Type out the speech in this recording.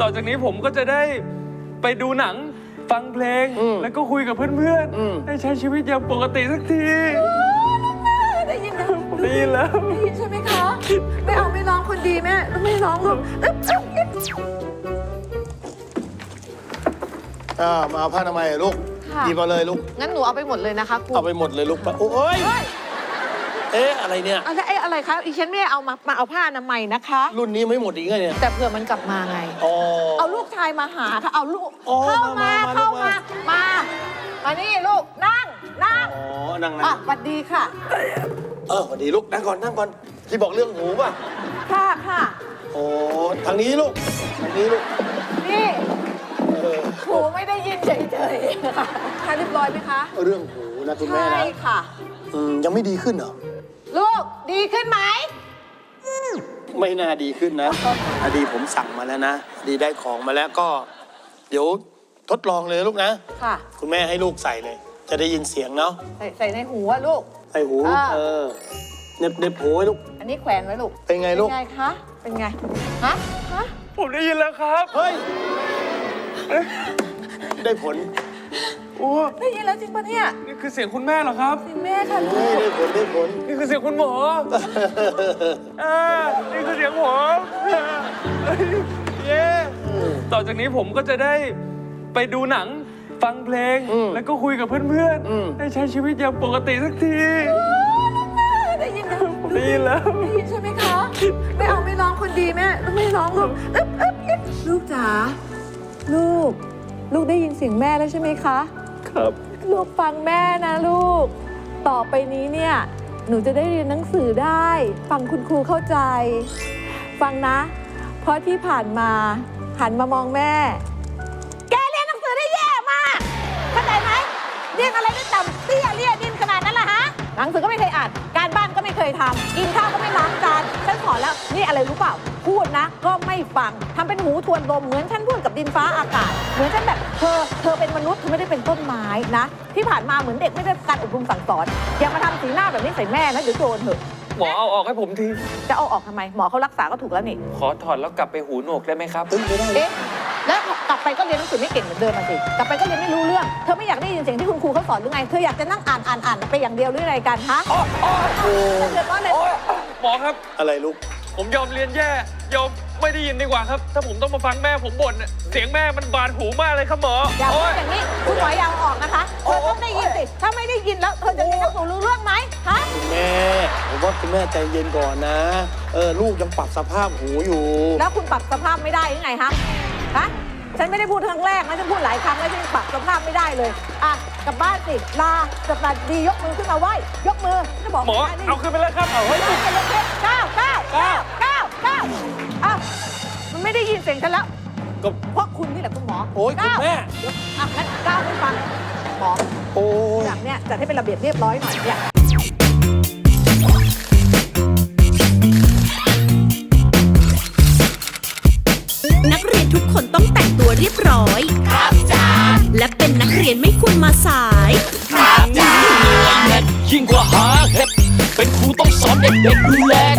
ต่อจากนี้ผมก็จะได้ไปดูหนังฟังเพลงแล้วก็คุยกับเพื่อนๆให้ใช้ชีวิตอย่างปกติสักทีได้ยินนะได้ยินแล้วได้ยินใช่ไหมคะไม่เอาไม่ร้องคนดีแม่ไม่ร้องหรอกมาเอาผ้าทำไมลูกหยิบมาเลยลูกงั้นหนูเอาไปหมดเลยนะคะครูเอาไปหมดเลยลูกโอ้ยเอ๊ะอะไรเนี่ยอะไรคะอีฉันไม่เอามาเอาผ้าอนามัยนะคะรุ่นนี้ไม่หมดอีกไงเนี่ยแต่เผื่อมันกลับมาไงเอาลูกชายมาหาค่ะเอาลูกเข้ามานี่ลูกนั่งนั่งสวัสดีค่ะสวัสดีลูกนั่งก่อนที่บอกเรื่องหูป่ะค่ะโอ้ทางนี้ลูกนี่หูไม่ได้ยินเฉยๆค่ะเรียบร้อยไหมคะเรื่องหูนะคุณแม่นะใช่ค่ะยังไม่ดีขึ้นเหรอลูกดีขึ้นไหมไม่น่าดีขึ้นนะอดีผมสั่งมาแล้วนะดีได้ของมาแล้วก็เดี๋ยวทดลองเลยลูกนะค่ะคุณแม่ให้ลูกใส่เลยจะได้ยินเสียงเนาะใส่ในหูอะลูกใส่หูเน็บหูไว้ลูกอันนี้แขวนไว้ลูกเป็นไงลูกเป็นไงคะเป็นไงฮะผมได้ยินแล้วครับเฮ้ยได้ผลได้ยินแล้วจริงปะเนี่ยนี่คือเสียงคุณแม่เหรอครับเสียงแม่ค่ะลูกได้ผลนี่คือเสียงคุณหมอนี่คือเสียงผมเย้ต่อจากนี้ผมก็จะได้ไปดูหนังฟังเพลงแล้วก็คุยกับเพื่อนๆให้ใช้ชีวิตอย่างปกติสักทีได้ยินนะได้ยินแล้วได้ยินใช่ไหมคะไม่เอาไม่ร้องคนดีแม่ไม่ร้องหรอกลูกจ๋าลูกได้ยินเสียงแม่แล้วใช่ไหมคะครับลูกฟังแม่นะลูกต่อไปนี้เนี่ยหนูจะได้เรียนหนังสือได้ฟังคุณครูเข้าใจฟังนะเพราะที่ผ่านมาหันมามองแม่แกเรียนหนังสือได้แย่มากเข้าใจไหมเรียนอะไรได้ต่ำเตี้ยเลี่ยดินขนาดนั้นล่ะฮะหนังสือก็ไม่เคยอ่านการบ้านก็ไม่เคยทำกินข้าวก็ไม่ล้างจานฉันสอนแล้วนี่อะไรรู้เปล่าพูดนะก็ไม่ฟังทำเป็นหูทวนลมเหมือนฉันพูดกับดินฟ้าอากาศเหมือนฉันแบบเธอเป็นมนุษย์เธอไม่ได้เป็นต้นไม้นะที่ผ่านมาเหมือนเด็กไม่ได้การอบรมสั่งสอนอย่ามาทำสีหน้าแบบนี้ใส่แม่นะเดี๋ยวโดนเถอะหมอเอาออกให้ผมทีจะเอาออกทำไมหมอเขารักษาก็ถูกแล้วนี่ขอถอดแล้วกลับไปหูหนวกได้ไหมครับไม่ได้แล้วกลับไปก็เรียนหนังสือไม่เก่งเหมือนเดิมมาสิกลับไปก็เรียนไม่รู้เรื่องเธอไม่อยากได้ยินเสียงที่คุณครูเขาสอนหรือไงเธออยากจะนั่งอ่านไปอย่างเดียวหรืออะไรกันฮะเดือดร้อนเลยหมอครับอะไรลูกผมยอมเรียนแย่ยอมไม่ได้ยินดีกว่าครับถ้าผมต้องมาฟังแม่ผมบ่นเสียงแม่มันบาดหูมากเลยครับหมออย่าพูดอย่างนี้คุณหมออย่าออกนะคะเธอต้องได้ยินสิถ้าไม่ได้ยินแล้วเธอจะเรียนหนังสือรู้เรื่องไหมฮะคุณแม่ผมว่าคุณแม่ใจเย็นก่อนนะลูกยังปรับสภาพหูอยู่แล้วคุณปรับสภาพไม่ได้ยังไงฮะฉันไม่ได้พูดครั้งแรกนะฉันพูดหลายครั้งแล้วฉันปรับสภาพไม่ได้เลยกลับบ้านสิลาสวัสดียกมือขึ้นมาไหว้ยกมือจะบอกหมอเอาขึ้นไปแล้วครับเอาไว้ก้าวมันไม่ได้ยินเสียงฉันแล้วก็เพราะคุณนี่แหละคุณหมอโอ้ยคุณแม่งั้นก้าวไม่ฟังหมออย่างเนี้ยจัดให้เป็นระเบียบเรียบร้อยหน่อยเนี่ยนักเรียนทุกคนต้องแต่งตัวเรียบร้อยครับจ้าและเป็นนักเรียนไม่ควรมาสายครับจ้ายิ่งกว่าหาเห็ดเป็นครูต้องสอนเด็กๆดูแล